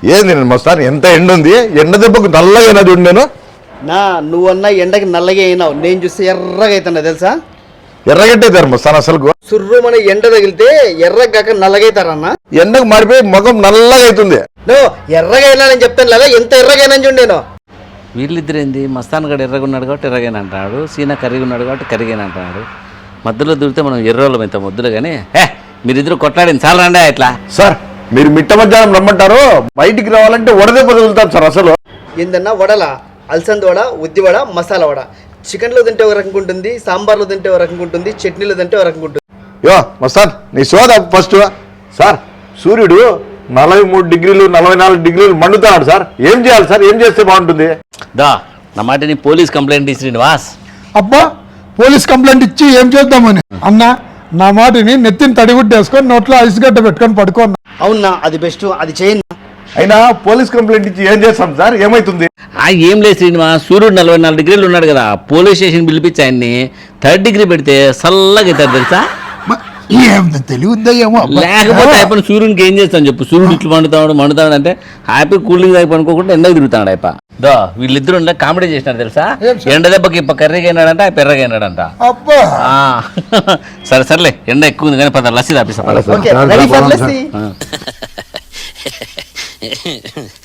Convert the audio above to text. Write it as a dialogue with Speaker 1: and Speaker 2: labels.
Speaker 1: ఏంది నేను మస్తాన్ ఎంత ఎండ ఉంది, ఎండ దెబ్బకు నల్లగా అయినా చూడు నేను.
Speaker 2: నా నువ్వన్నా ఎండకి నల్లగా అయినావు, నేను చూస్తే ఎర్రగా అవుతున్నా తెలుసా.
Speaker 1: ఎర్రగట్టేతారు మస్తాన్ అసలు.
Speaker 2: సుర్రు మన ఎండ తగిలితే ఎర్రగాక నల్లగైతారన్నా.
Speaker 1: ఎండకు మారిపోయి ముఖం నల్లగా అవుతుంది.
Speaker 2: నువ్వు ఎర్రగా అయినా నేను చెప్తాను లేదా, ఎంత ఎర్రగైనా చూడు నేను.
Speaker 3: వీళ్ళిద్దరు ఏంది, మస్తాన్ గడు ఎర్రగున్నాడు కాబట్టి ఎర్రగైన అంటున్నాడు, సీనా కరిగి ఉన్నాడు కాబట్టి కరిగైన అంటున్నాడు. మధ్యలో దూరితే మనం ఎర్రోళ్ళం ఇంత ముద్దులు కానీ మీరిద్దరు కొట్లాడింది చాలా రండి ఇట్లా.
Speaker 1: సార్ మీరు మిట్ట మధ్యాహ్నం రమ్మంటారు, బయటికి రావాలంటే వడదెబ్బ తగులుతాం సార్ అసలు.
Speaker 2: ఏందన్నా వడల, అలసంద వడ, ఉద్ది వడ, మసాలా వడ. చికెన్లో తింటే ఒక రకంగా ఉంటుంది, సాంబార్లో తింటే ఒక రకంగా ఉంటుంది, చట్నీలో తింటే ఒక రకంగా ఉంటుంది.
Speaker 1: యో మస్తాన్ నీ సోద ఫస్ట్. సార్ సూర్యుడు 43 డిగ్రీలు 44 డిగ్రీలు మండుతున్నాడు సార్. ఏం చేయాలి సార్, ఏం చేస్తే బాగుంటుంది?
Speaker 3: దా నా మాట నీ పోలీస్ కంప్లైంట్ ఇచ్చి వాస్.
Speaker 4: అబ్బా పోలీస్ కంప్లైంట్ ఇచ్చి ఏం చేద్దామని అన్న, నా మాటిని నెత్తిని తడిగుడ్డేసుకొని నోట్లో ఐస్ గడ్డ పెట్టుకొని పడుకోన్నా.
Speaker 2: అవునా, అది బెస్ట్, అది చేయండి.
Speaker 1: అయినా పోలీస్ కంప్లైంట్ ఇచ్చి ఏం చేస్తాం సార్, ఏమైతుంది?
Speaker 3: ఏం లేదు శ్రీనివాస్, సూర్యుడు 44 డిగ్రీలు ఉన్నాడు కదా, పోలీస్ స్టేషన్ పిలిపించి ఆయన్ని 3rd డిగ్రీ పెడితే చల్లగా అవుతారు తెలుసా.
Speaker 4: ఏం తెలియద్దా ఏమో.
Speaker 3: లేకపోతే అయిపోయిన సూర్యునికి ఏం చేస్తాను చెప్పు, సూర్యుడు ఇట్లు మండుతాడు అంటే హ్యాపీ కూలింగ్ అయిపోయి అనుకోకుండా ఎండకు తిరుగుతాడు అయిపో. దో వీళ్ళిద్దరు కామెడీ చేసినారు తెలుసా. ఎండ దెబ్బకి ఇప్ప కర్రీగా అయినాడంట, ఆ పెర్రగా అయినాడంట. సరే సర్లే, ఎండ ఎక్కువ ఉంది కానీ పద లస్సీ తాపిస్తా.
Speaker 2: Okay, ready for lassi.